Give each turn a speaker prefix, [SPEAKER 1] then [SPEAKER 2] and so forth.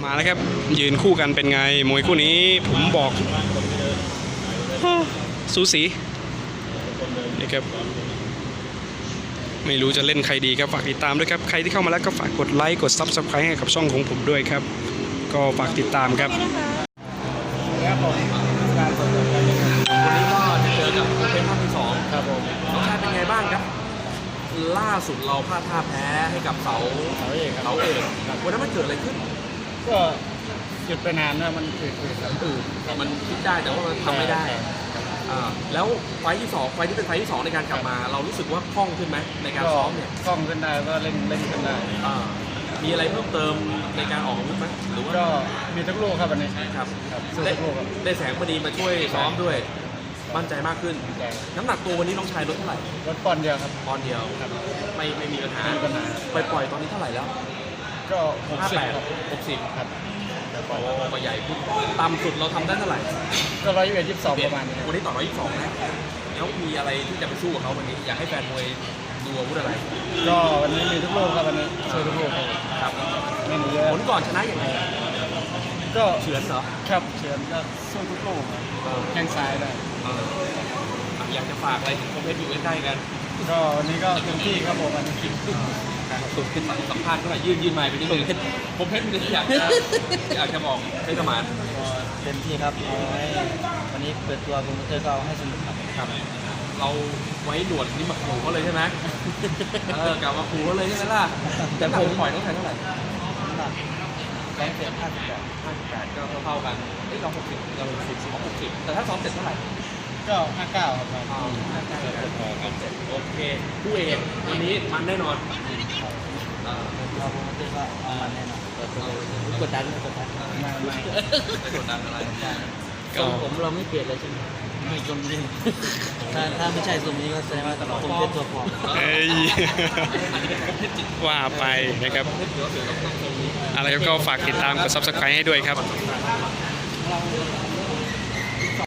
[SPEAKER 1] มาแล้วครับยืนคู่กันเป็นไงมวยคู่นี้ผมบอกสูสีนี่ครับไม่รู้จะเล่นใครดีครับฝากติดตามด้วยครับใครที่เข้ามาแล้วก็ฝากกดไลค์กด Subscribe ให้กับช่องของผมด้วยครับก็ฝากติดตามครับ
[SPEAKER 2] วันนี้ก็จะเจอกับเป็นภาคที่2ครับผมรสชาติเป็นไงบ้างครับล่าสุดเราพลาดท่าแพ้ให้กับเสาเอกวันนั้นมันเกิดอะไรขึ้น
[SPEAKER 3] ก็หยุดไปนานนะมันคือสันตื่น
[SPEAKER 2] มันคิดได้แต่ว่ามันทำไม่ได้แล้วไฟที่2ไฟที่เป็นไฟที่2ในการกลับมาเรารู้สึกว่าคล่องขึ้นไหมในการซ้อมเนี่ย
[SPEAKER 3] คล่องขึ้นได้ก็เล่นขึ้นได้
[SPEAKER 2] มีอะไรเพิ่มเติมในการออกอาวุธไหมหรือว่า
[SPEAKER 3] ก็มีทุกลูกครับวันนี้
[SPEAKER 2] ครับ
[SPEAKER 3] ได้
[SPEAKER 2] แสงพอดีมาช่วยซ้อมด้วยมั่นใจมากขึ้นน้ำหนักตัววันนี้น้องชายลดเท่าไหร่
[SPEAKER 3] ลดปอนด์เดียวครับ
[SPEAKER 2] ปอนด์เดียวไม่มีปัญหาปล่อยตอนนี้เท่าไหร่แล้ว
[SPEAKER 3] ก็
[SPEAKER 2] 60ครับก็ใหญ่ขึ้นต่ำสุดเราทำได้เท่าไหร่
[SPEAKER 3] ก็122ประมาณนี้
[SPEAKER 2] วันนี้ต่อ122นะแล้วมีอะไรที่จะไปสู้กับเขาวันนี้อยากให้แฟนมวยดูอาวุธอะไร
[SPEAKER 3] ก็วันนี้มีทุกลูกครับวันนี้ช่วยทุกลูก
[SPEAKER 2] ครับ
[SPEAKER 3] ไม่หนีเยอะ
[SPEAKER 2] ผลก่อนชนะอย่างไร
[SPEAKER 3] ก็
[SPEAKER 2] เฉือนเหรอ
[SPEAKER 3] ครับเฉือนก็สู้ทุกลูกแข้งซ้ายได้
[SPEAKER 2] อยากจะฝากอะไรถึงคมเพชรอยู่ใกล้ๆกัน
[SPEAKER 3] ก็วันนี้ก็เต็มที่ครับผมวันนี้
[SPEAKER 2] สุดขึ้นสัมภาษณ์เท่าไหร่ยื่นไมค์ไปนิดนึงผมเพชรมันอยากจะบอกให้สมาน
[SPEAKER 3] เต็มที่ครับวันนี้เปิดตัวโปรโมเตอร์ก็ให้สนุก
[SPEAKER 2] ครับเราไว้หนวดนี่มาขู่เขาเลยใช่ไหมกลับมาขู่เขาเลยใช่ไหมล่ะแต่ผมปล่อยต้องใช้เท่าไหร่
[SPEAKER 3] 158ก็
[SPEAKER 2] เท่ากันเรา60แต่ถ้าซ้อมเสร็จเท่าไหร่
[SPEAKER 3] ก็59ครับ
[SPEAKER 2] โอเคผู้เอกวันนี้มันแน่นอน
[SPEAKER 3] เราโปรโมเตอร์ก็มันแน่นอนกดดันไม่กดดัน
[SPEAKER 2] อะไร
[SPEAKER 3] ทรงผมเราไม่เปลี่ยนเลยใช่ไหมไม่ทรงนี้ถ้าไม่ใช่ทรงนี้ก็แสดงว่าผมเป็นตัวปลอม
[SPEAKER 1] ว่าไปนะครับอะไรก็ฝากติดตามกด Subscribe ให้ด้วยครับ